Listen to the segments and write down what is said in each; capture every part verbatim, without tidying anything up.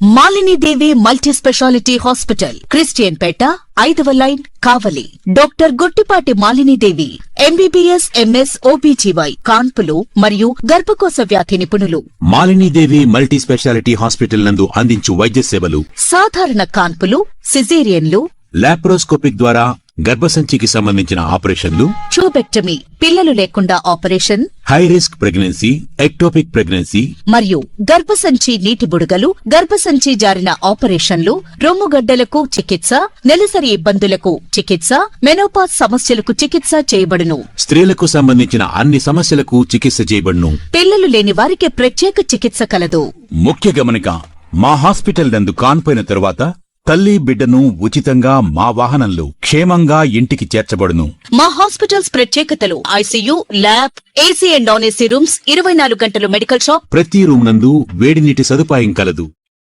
Malini Devi multi speciality hospital, Christian Peta, ఐదవ line, Kavali. Doctor Guttipati Malini Devi MBBS, MS, OBGY, కాన్పులు మరియు గర్భకోశ వ్యాధి నిపుణులు. Malini Devi multi speciality hospital నందు అందించు వైద్య సేవలు: సాధారణ కాన్పులు, సిజేరియన్లు, లాప్రోస్కోపిక్ ద్వారా గర్భసంచికి సంబంధించిన ఆపరేషన్లు, ట్యూబెక్టమీ, పిల్లలు లేకుండా operation, high risk pregnancy, ectopic pregnancy మరియు గర్భసంచి నీటి బుడగలు, గర్భసంచి జారిన ఆపరేషన్లు, రొమ్ముగడ్డలకు చికిత్స, నెలసరి ఇబ్బందులకు చికిత్స, మెనోపాజ్ సమస్యలకు చికిత్స చేయబడును. స్త్రీలకు సంబంధించిన అన్ని సమస్యలకు చికిత్స చేయబడును. పిల్లలు లేని వారికి ప్రత్యేక చికిత్స కలదు. ముఖ్య గమనిక: మా హాస్పిటల్ నందు కాన్పోయిన తరువాత తల్లి బిడ్డను ఉచితంగా మా వాహనంలో క్షేమంగా ఇంటికి చేర్చబడును. మా హాస్పిటల్స్ ప్రత్యేకతలు: ICU, lab, AC and non AC rooms, ఇరవై నాలుగు గంటలు మెడికల్ షాప్, ప్రతి రూమ్ నందు వేడి నీటి సదుపాయం కలదు.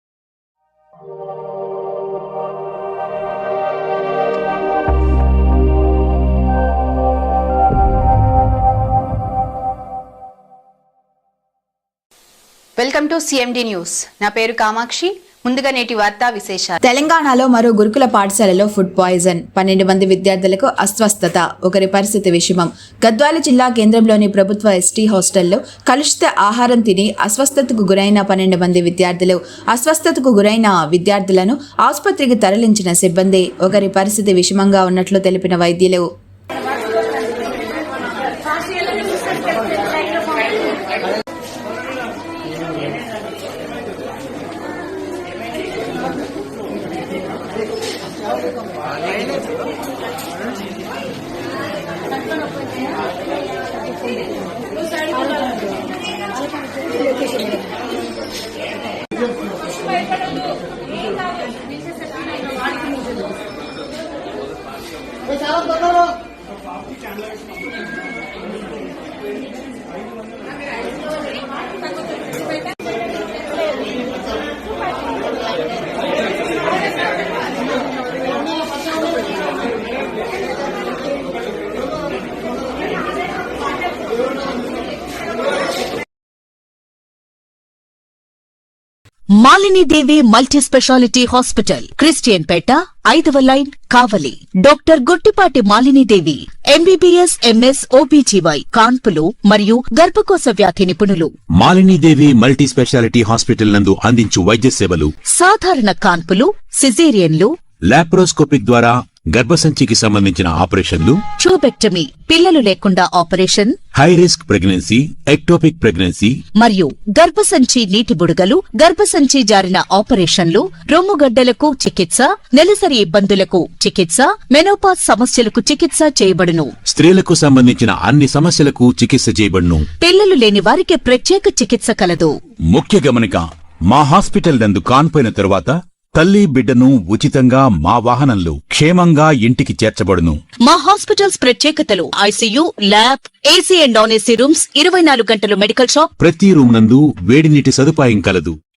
Welcome to CMD news. నా పేరు కామాక్షి. ముందుగా నేటి వార్తా విశేషాలు. తెలంగాణలో మరో గురుకుల పాఠశాలలో ఫుడ్ పాయిజన్, పన్నెండు మంది విద్యార్థులకు అస్వస్థత, ఒకరి పరిస్థితి విషమం. గద్వాల జిల్లా కేంద్రంలోని ప్రభుత్వ ఎస్టీ హాస్టల్లో కలుషిత ఆహారం తిని అస్వస్థతకు గురైన పన్నెండు మంది విద్యార్థులు. అస్వస్థతకు గురైన విద్యార్థులను ఆసుపత్రికి తరలించిన సిబ్బంది. ఒకరి పరిస్థితి విషమంగా ఉన్నట్లు తెలిపిన వైద్యులు. Malini Devi multi speciality hospital, Christian Peta, ఐదవ line, Kavali. Doctor Guttipati Malini Devi MBBS, MS, OBGY, కాన్పులు మరియు గర్భకోశ వ్యాధి నిపుణులు. Malini Devi multi speciality hospital నందు అందించు వైద్య సేవలు: సాధారణ కాన్పులు, సిజేరియన్లు, లాప్రోస్కోపిక్ ద్వారా గర్భసంచికి సంబంధించిన ఆపరేషన్లు, ట్యూబెక్టమీ, పిల్లలు లేకుండా operation, high risk pregnancy, ectopic pregnancy మరియు గర్భసంచి నీటి బుడగలు, గర్భసంచి జారిన ఆపరేషన్లు, రొమ్ముగడ్డలకు చికిత్స, నెలసరి ఇబ్బందులకు చికిత్స, మెనోపాజ్ సమస్యలకు చికిత్స చేయబడును. స్త్రీలకు సంబంధించిన అన్ని సమస్యలకు చికిత్స చేయబడును. పిల్లలు లేని వారికి ప్రత్యేక చికిత్స కలదు. ముఖ్య గమనిక: మా హాస్పిటల్ నందు కాన్పోయిన తరువాత తల్లి బిడ్డను ఉచితంగా మా వాహనంలో క్షేమంగా ఇంటికి చేర్చబడును. మా హాస్పిటల్స్ ప్రత్యేకతలు: ICU, lab, AC and non AC rooms, ఇరవై నాలుగు గంటలు మెడికల్ షాప్, ప్రతి రూమ్ నందు వేడి నీటి సదుపాయం కలదు.